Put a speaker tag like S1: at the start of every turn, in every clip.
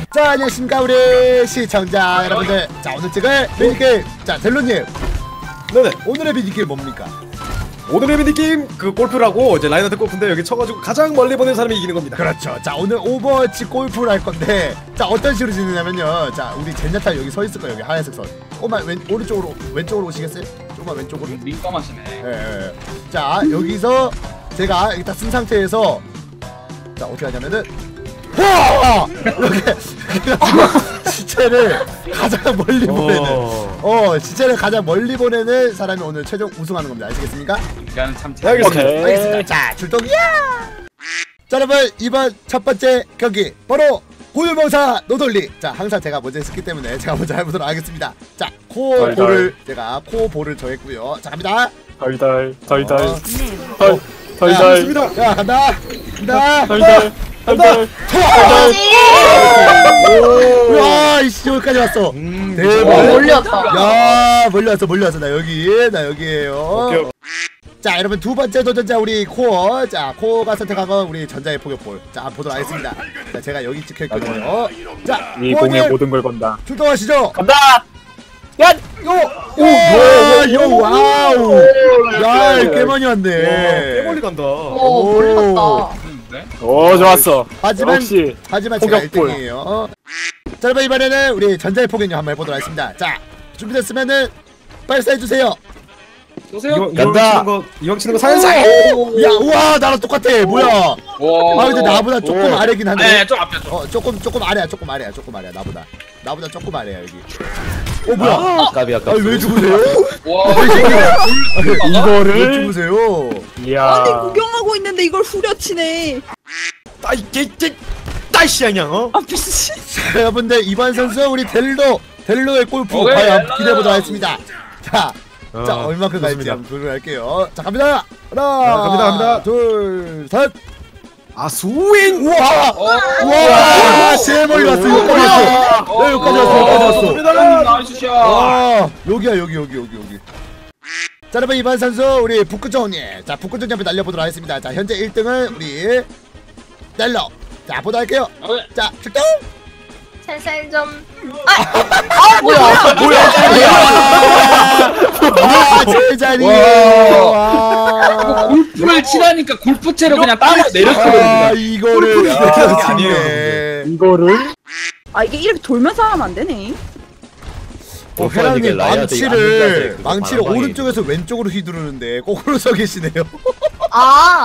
S1: 자, 안녕하십니까 우리 시청자 여러분들. 자, 오늘 찍을 미니게임. 자, 델로님.
S2: 네네.
S1: 오늘의 미니게임 뭡니까?
S2: 오늘의 미니게임 그 골프라고 이제 라인한테 골프인데 여기 쳐가지고 가장 멀리 보낸 사람이 이기는 겁니다.
S1: 그렇죠. 자, 오늘 오버워치 골프를 할 건데, 자, 어떤 식으로 지내냐면요. 자, 우리 젠야타 여기 서 있을 거예요. 여기 하얀색 선. 조금만 오른쪽으로, 왼쪽으로 오시겠어요? 조금만 왼쪽으로.
S3: 민감하시네.
S1: 예. 자, 여기서 제가 여기 딱 쓴 상태에서, 자, 어떻게 하냐면은 이렇게 시체를 가장 멀리 보내는 시체를 가장 멀리 보내는 사람이 오늘 최종 우승하는 겁니다. 아시겠습니까?
S3: 이거는 참
S2: 알겠습니다.
S1: 알겠습니다. 자, 출동이야! 자, 여러분, 이번 첫 번째 경기 바로 고유명사 노돌리. 자, 항상 제가 먼저 했기 때문에 제가 먼저 해보도록 하겠습니다. 자, 코볼을 제가 코볼을 정했고요. 자, 갑니다.
S4: 달달
S1: 야, 간다.
S4: 달달
S1: 와, 이씨, 여기까지 왔어. 대박.
S5: 멀리 왔다.
S1: 야, 멀리 왔어. 나 여기에요.
S2: 오케이.
S1: 자, 여러분, 두 번째 도전자 우리 코어. 자, 코어가 선택한 건 우리 전자의 포격볼. 자, 한번 보도록 하겠습니다. 자, 제가 여기 찍혀있거든요. 자,
S4: 이 공에 모든 걸 건다.
S1: 출동하시죠.
S4: 간다!
S1: 와우. 야, 꽤 많이 왔네.
S2: 꽤 멀리 간다.
S5: 멀리 갔다.
S4: 오, 좋았어.
S1: 하지만
S4: 역시
S1: 제가
S4: 포격볼.
S1: 1등이에요. 자, 여러분, 이번에는 우리 전자의 포격력 한번 해보도록 하겠습니다. 자, 준비됐으면은 발사해주세요.
S3: 보세요.
S2: 이왕 치는 거 살살.
S1: 야, 우와, 나랑 똑같아. 뭐야?
S3: 와.
S1: 아, 근데 나보다 조금 아래긴 한데.
S3: 네, 좀 앞에 좀.
S1: 조금 아래야. 나보다 조금 아래야 여기. 뭐야?
S4: 까비 아까.
S1: 왜 죽으세요?
S3: 와.
S1: 이거를 왜 죽으세요?
S4: 이야.
S5: 아니 구경하고 있는데 이걸 후려치네.
S2: 따이씨 그냥
S5: 아 미친.
S1: 자, 여러분들, 이번 선수 우리 델로의 골프
S3: 오케이,
S1: 과연
S3: 델로.
S1: 기대해 보도록 하겠습니다. 자, 얼마큼 갈지 한번 보도록 할게요. 자, 갑니다.
S2: 갑니다.
S1: 둘, 셋.
S2: 아 스윙.
S1: 우와, 제일 멀리 왔어. 여기까지 왔어.
S3: 나이스 샷.
S1: 와, 여기야, 여기. 자, 여러분, 이번 선수 우리 북구정님. 자, 북구정님 한번 날려보도록 하겠습니다. 자, 현재 1등은 우리 델로. 자, 보도록 할게요. 자, 출동.
S5: 살살 좀.
S1: 와, 제자리에요. 와.
S3: 골프를 치라니까 골프채로 그냥 땅으로 내렸어요.
S1: 이거를
S2: 아니에요.
S4: 이거를
S5: 아 이게 이렇게 돌면서 하면 안 되네.
S1: 회장님, 망치를 오른쪽에서 왼쪽으로 휘두르는데 거꾸로 서 계시네요.
S5: 아.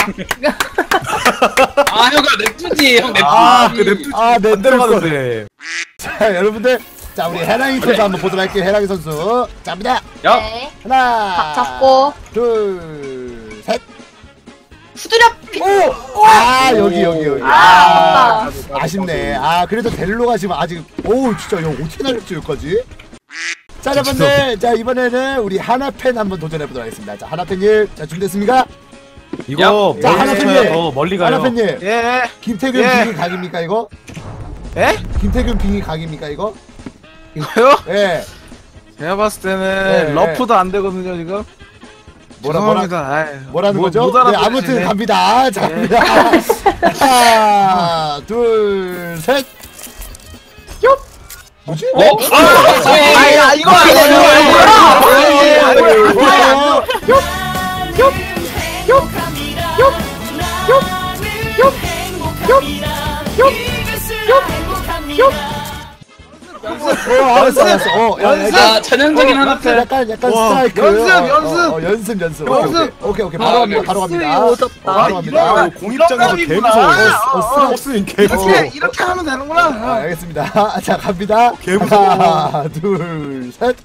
S3: 아, 형아 냅두지. 형 냅두지.
S2: 내 들어가는데.
S1: 자, 여러분들, 자, 우리 해랑이 선수 한번 보도록 할게요. 해랑이 선수. 자, 갑니다.
S3: 야.
S5: 네.
S1: 하나,
S5: 각 잡고
S1: 둘, 셋.
S5: 후드려.
S1: 여기.
S5: 아.
S1: 아쉽네. 그래도 델로가 지금 아직, 진짜 이거 어떻게 날렸지 여기까지? 자, 여러분들, 자, 이번에는 우리 하나팬 한번 도전해보도록 하겠습니다. 자, 하나팬님, 자, 준비됐습니까?
S2: 이거
S1: 자, 하나팬님,
S2: 더 멀리 가요.
S1: 하나팬님,
S2: 예.
S1: 김태균 빙이 각입니까 이거?
S2: 예?
S1: 김태균 빙이 각입니까 이거?
S6: 이거요?
S1: 예.
S6: 제가 봤을 때는
S1: 네,
S6: 러프도 안 되거든요 지금.
S1: 뭐라는 거죠?
S6: 못
S1: 네, 아무튼 갑니다. 자, 갑니다. 하나, 둘, 셋. 뭐지?
S6: 아야 이거
S1: 알았어.
S3: 아, 전형적인 하나팬.
S1: 약간 스트라이크.
S6: 연습.
S1: 오케이. 바로 갑니다. 바로 갑니다.
S2: 공입장에서 개 무서워. 버스인 개 무서워.
S6: 이렇게 하면 되는구나.
S1: 알겠습니다. 자, 갑니다.
S2: 개 무서워.
S1: 하나, 둘, 셋.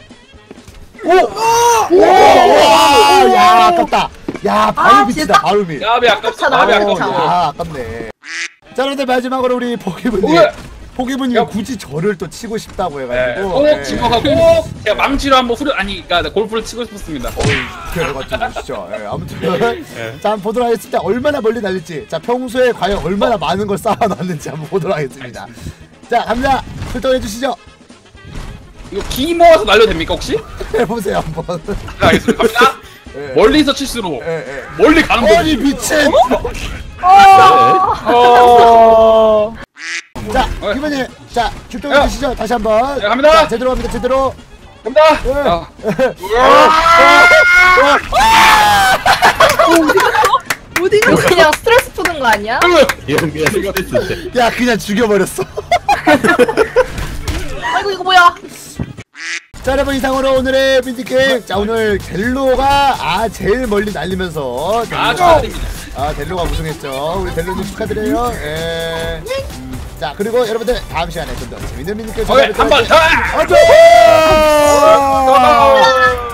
S1: 야, 아깝다. 야, 바로 밑이다. 바로 밑.
S3: 야비 아깝다.
S1: 야, 아깝네. 자, 그런데 마지막으로 우리 포기분이 굳이 저를 또 치고 싶다고 해가지고
S3: 꼭 집어가고 제가 망치로 한번 그러니까 골프를 치고 싶었습니다.
S1: 결과 좀 보시죠. 아무튼 자, 한번 보도록 하겠습니다. 얼마나 멀리 날릴지. 자, 평소에 과연 얼마나 많은 걸 쌓아놨는지 한번 보도록 하겠습니다. 자, 갑니다. 출동해 주시죠.
S3: 이거 기 모아서 날려도 됩니까 혹시?
S1: 해보세요 한번.
S3: 네, 알겠습니다. 갑니다. 멀리서 칠수록 멀리 가는 거.
S1: 아니, 미친. 자, 기분이 자 출동해 주시죠. 다시 한번.
S3: 네, 갑니다.
S1: 자, 제대로 갑니다. 제대로.
S3: 갑니다.
S1: 예.
S5: 어디가 그냥 스트레스 푸는 거 아니야?
S1: 야 그냥 죽여버렸어.
S5: 아이고 이거 뭐야?
S1: 자 여러분 이상으로 오늘의 빈티게임. 자 오늘 델로가 제일 멀리 날리면서 델로가 우승했죠. 우리 델로님 축하드려요. 예. 자 그리고 여러분들 다음 시간에 좀 더 재밌는 빈티게임
S3: 한번 더.
S1: 안녕.